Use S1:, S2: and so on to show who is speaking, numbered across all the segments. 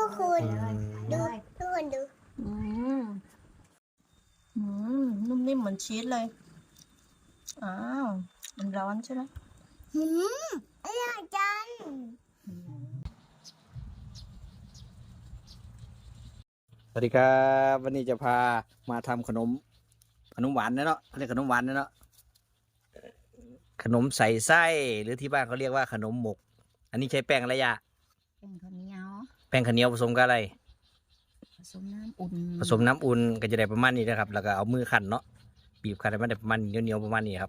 S1: กคนดูทุกคนดู
S2: อืมนุ่มนิ่มเหมือนชีสเลยอ้าวมันร้อนใช่ไหม
S1: อร่อยจัง
S3: สวัสดีครับวันนี้จะพามาทำขนมหวานนะเนาะเรียกขนมหวานนะเนาะขนมใส่ไส้หรือที่บ้านเขาเรียกว่าขนมหมกอันนี้ใช้แป้งอะไรยะ
S2: เป็นข้าวเหนียว
S3: แป้งข้าวเหนียวผสมกับอะไร
S2: ผสมน้ำอุ่น
S3: ก็จะได้ประมาณนี้นะครับแล้วก็เอามือคั่นเนาะบีบคั่นให้มันได้ประมาณเหนียวประมาณนี้ครับ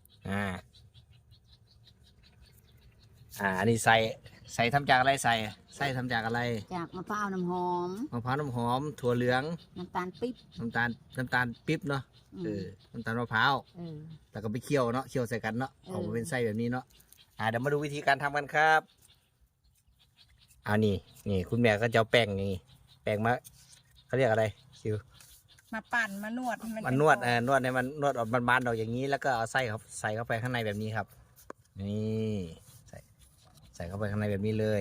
S3: อันนี้ใส่ทำจากอะไรใส่ทำจากอะไร
S2: จากมะพร้าวน้ำหอม
S3: ถั่วเหลือง
S2: น้ำตาลปิ๊บ
S3: น้ำตาลปิ๊บเนาะน้ำตาลมะพร้าวแล้วก็ไปเคี่ยวเนาะเคี่ยวใส่กันเนาะออกมาเป็นไส้แบบนี้เนาะเดี๋ยวมาดูวิธีการทำกันครับนี่คุณแม่ก็จะเอาแป้งนี่แป้งมาเขาเรียกอะไรคิว
S2: มาปั่นมานวดให้
S3: มันนวดให้มันนวดออกบานๆออกอย่างนี้แล้วก็เอาไส้ครับใส่เข้าไปข้างในแบบนี้ครับนี่ใส่เข้าไปข้างในแบบนี้เลย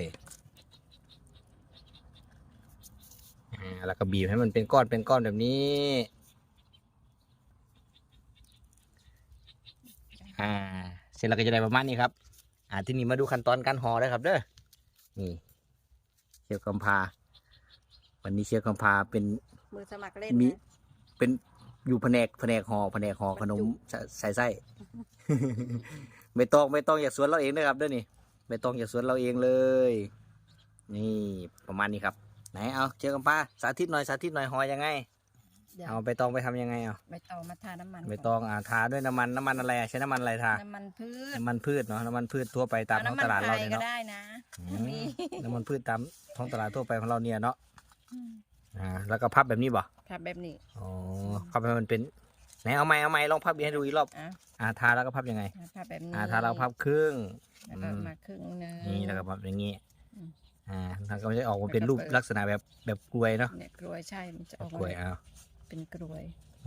S3: แล้วก็บีบให้มันเป็นก้อนแบบนี้เสร็จแล้วก็จะได้ประมาณนี้ครับที่นี่มาดูขั้นตอนการห่อเลยครับเด้อนี่เชฟกำพาวันนี้เชฟกำพาเป็น
S2: มือสมัครเล่น
S3: มีเป็นอยู่แผนกห่อขนมใส่ไส้ ไม่ต้องอยากสวนเราเองนะครับเด้อนี่ไม่ต้องอยากสวนเราเองเลยนี่ประมาณนี้ครับไหนเอาเชฟกำพาสาธิตหน่อยห่อยังไงเอาใบตองไปทำยังไง
S2: ใบตองมาทาน้ำมัน
S3: ใบตองทาด้วยน้ำมันอะไรใช้น้ำมันอะไรทา
S2: น้ำมัน
S3: พืชเนาะน้ำมันพืชทั่วไปตามท้องตลาดเราเนี่ยเนาะน้ำมันพืชตามท้องตลาดทั่วไปของเราเนี่ยเนาะแล้วก็พับแบบนี้บ่
S2: พับแบบนี้
S3: พับให้มันเป็นไหนเอาไม้ลองพับให้ดูอีกรอบทาแล้วก็พับยังไง
S2: พับแบบนี้
S3: ทาเราพับครึ่ง
S2: แล้วก็มาครึ่งนึง
S3: นี่แล้วก็พับอย่างนี้แล้วก็จะออกมาเป็นรูปลักษณะแบบกล้วยเนาะ
S2: เนี่ยกล้วยใช่มันจะออก
S3: กล้วย
S2: เป็นกล้วย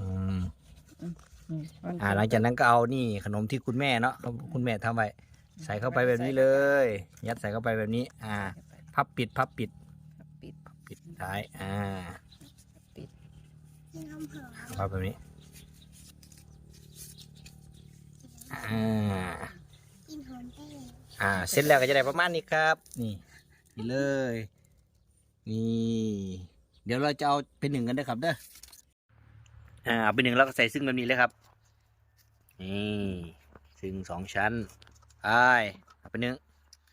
S3: หลังจากนั้นก็เอานี่ขนมที่คุณแม่เนาะคุณแม่ทำไว้ใส่เข้าไปแบบนี้เลยยัดใส่เข้าไปแบบนี้พับปิดท้าย
S2: ปิด
S3: พับแบบนี้เสร็จแล้วก็จะได้ประมาณนี้ครับนี่เลยนี่เดี๋ยวเราจะเอาเป็นหนึ่งกันด้วยครับเด้อเอาเป็นหนึ่งแล้วก็ใส่ซึ่งแบบนี้เลยครับนี่ซึ่ง2 ชั้นเอาเป็นหนึ่ง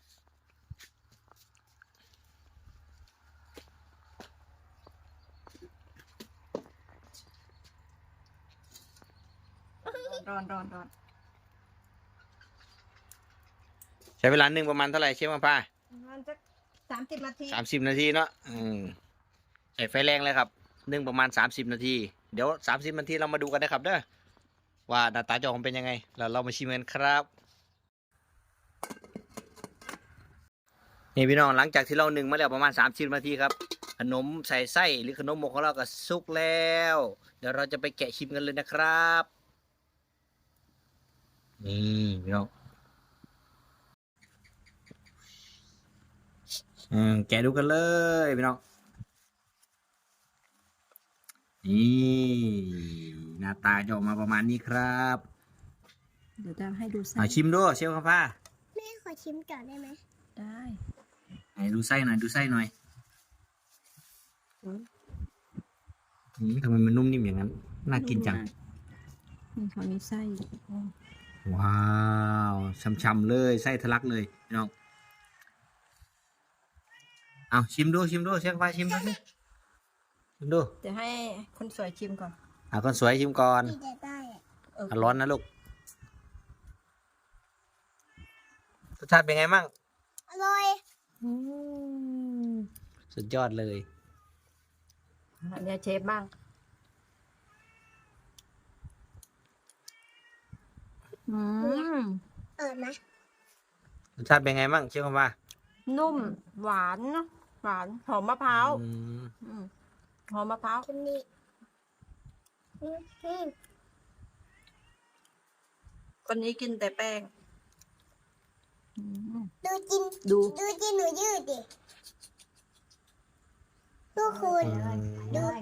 S2: ร้อน
S3: ใช้เวลานึ่งประมาณเท่าไหร่เชฟมาป้า
S2: ประมาณสัก30 นาที
S3: 30 นาทีเนาะใส่ไฟแรงเลยครับนึ่งประมาณ30 นาทีเดี๋ยว30 นาทีเรามาดูกันนะครับเด้อว่าหน้าตาจะออกมาเป็นยังไงแล้วเรามาชิมกันครับนี่พี่น้องหลังจากที่เรานึ่งมาแล้วประมาณ30 นาทีครับขนมใส่ไส้หรือขนมหมกของเราก็สุกแล้วเดี๋ยวเราจะไปแกะชิมกันเลยนะครับนี่พี่น้องแกะดูกันเลยพี่น้องนี่หน้าตาจะออกมาประมาณนี้ครับ
S2: เดี๋ยวจะให้ดูไส้
S3: ชิมด้วยเชฟครับป้า
S1: แม่ขอชิมก่อนได้ไหม
S2: ได้
S3: ดูไส้หน่อยทำไมมันนุ่มนิ่มอย่างนั้นน่ากินจัง
S2: นี่เขามีไส้
S3: ว้าวช่ำๆเลยไส้ทะลักเลยพี่น้องเอาชิมดูเชฟป้าชิมดู
S2: จะให้คนสวยชิมก่อน
S3: คนสวยชิมก่อนร้อนนะลูกรสชาติเป็นไงมั่ง
S1: อร่อย
S3: สุดยอดเลย
S2: เนี่ยเชฟบ้าง
S1: ไหม
S3: รสชาติเป็นไงมั่งเชฟคำว่า
S2: นุ่มหวานหอมมะพร้าวหอมมะพร้าวคนนี้กินแต่แป้ง
S1: ดูจินหนูยืดดิคุณดู